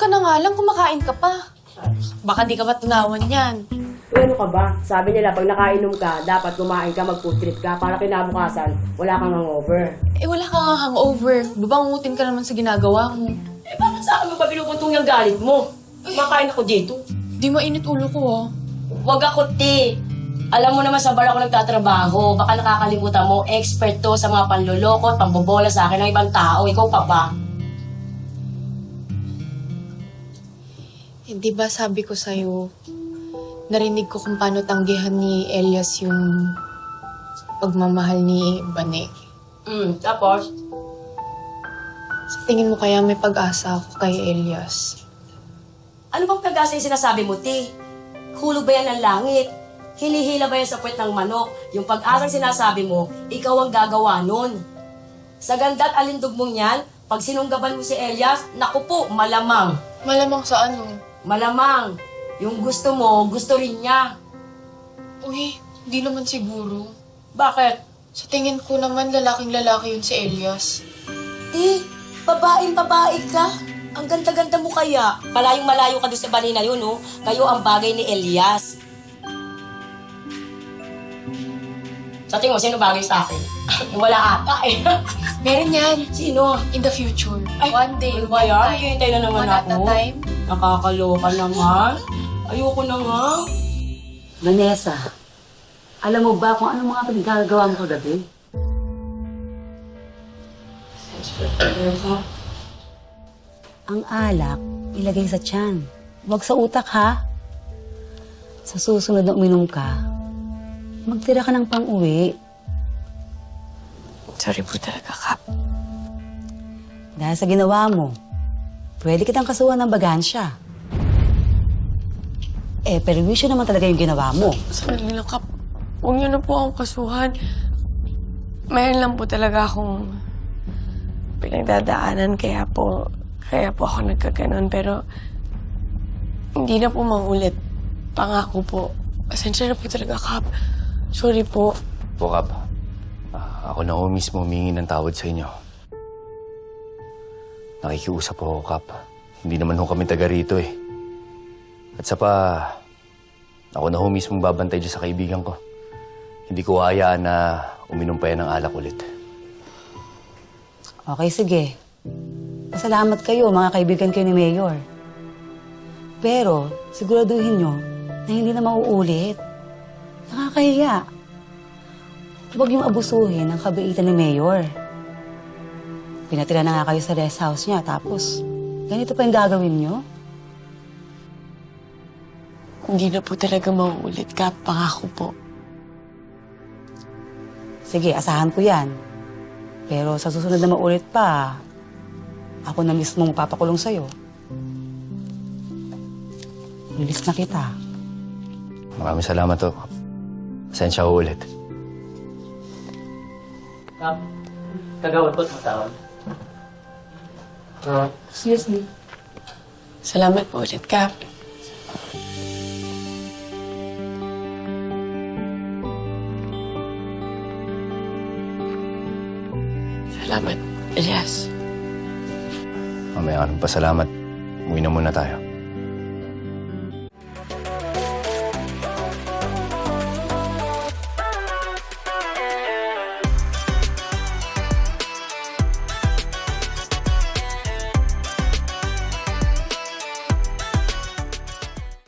ka na nga lang, kumakain ka pa. Baka di ka ba tunawan yan? Ano ka ba? Sabi nila, pag nakainom ka, dapat kumain ka, mag-food trip ka, para kinabukasan, wala kang hangover. Eh, wala ka nga hangover. Babangutin ka naman sa ginagawa mo. Eh, bakit sa akin mo pa pinupuntong yung galit mo? Makain ako dito. Di mainit ulo ko, ah. Huwag ako, te. Alam mo naman sa bar ako nagtatrabaho. Baka nakakalimutan mo, expert to sa mga panloloko at pambobola sa akin ng ibang tao. Ikaw pa ba? Eh, di ba sabi ko sa'yo, narinig ko kung paano tanggihan ni Elias yung pagmamahal ni Bane. Tapos? Sa tingin mo kaya may pag-asa ako kay Elias? Ano bang pag-asa yung sinasabi mo, te? Hulog ba yan ng langit? Hinihila ba yan sa puwet ng manok? Yung pag-asang sinasabi mo, ikaw ang gagawa nun. Sa ganda at alindog mong yan, pag sinunggaban mo si Elias, naku po, malamang. Malamang sa ano? Malamang. Yung gusto mo, gusto rin niya. Uy, di naman siguro. Bakit? Sa tingin ko naman, lalaking-lalaki yun si Elias. Babaeng-babae ka. Ang ganda-ganda mo kaya. Malayong-malayo ka doon sa bani na yun, oh. Kayo ang bagay ni Elias. Sa tingin mo, sino bagay sa akin? Wala ata eh. Meron yan. Sino? In the future. Ay, One day, ano ba yan? Hihintay na naman One at ako. a time. Nakakaloka naman. Ayoko na nga. Vanessa, alam mo ba kung anong mga pinagagawa mo kagabi? Ang alak, ilagay sa tiyan. Huwag sa utak, ha? Sa susunod na uminom ka, magtira ka ng pang-uwi. Sorry po talaga, Kap. Dahil sa ginawa mo, pwede kitang kasuhan ng bagansya. Eh, perwisyo naman talaga yung ginawa mo. Sandali lang, Kap. Huwag niyo na po akong kasuhan. Mayroon lang po talaga akong pinagdadaanan, kaya po ako nagkaganon. Pero hindi na po maulit. Pangako po. Asensya na po talaga, Kap. Sorry po. Po, Kap. Ako na ho mismo humingi ng tawad sa inyo. Nakikiusap po ako, Kap. Hindi naman ho kami taga rito eh. At sa pa, ako na ho mismo babantay dyan sa kaibigan ko. Hindi ko hayaan na uminom pa yan ng alak ulit. Okay, sige. Pasalamat kayo, mga kaibigan kayo ni Mayor. Pero, siguraduhin nyo na hindi na mauulit. Nakakahiya. Huwag yung abusuhin ang kabaitan ni Mayor. Pinatira na nga kayo sa rest house niya, tapos ganito pa yung gagawin nyo? Hindi na po talaga mauulit, Kap. Pangako po. Sige, asahan ko yan. Pero sa susunod na maulit pa, ako na mismo mapapakulong sa'yo. Release na kita. Maraming salamat ho. Pasensya ho ulit. Kap, kagawad po matawag. Excuse me. Salamat po ulit, Kap. Salamat, Elias. Mamaya ka ng pasalamat. Uwi na muna tayo.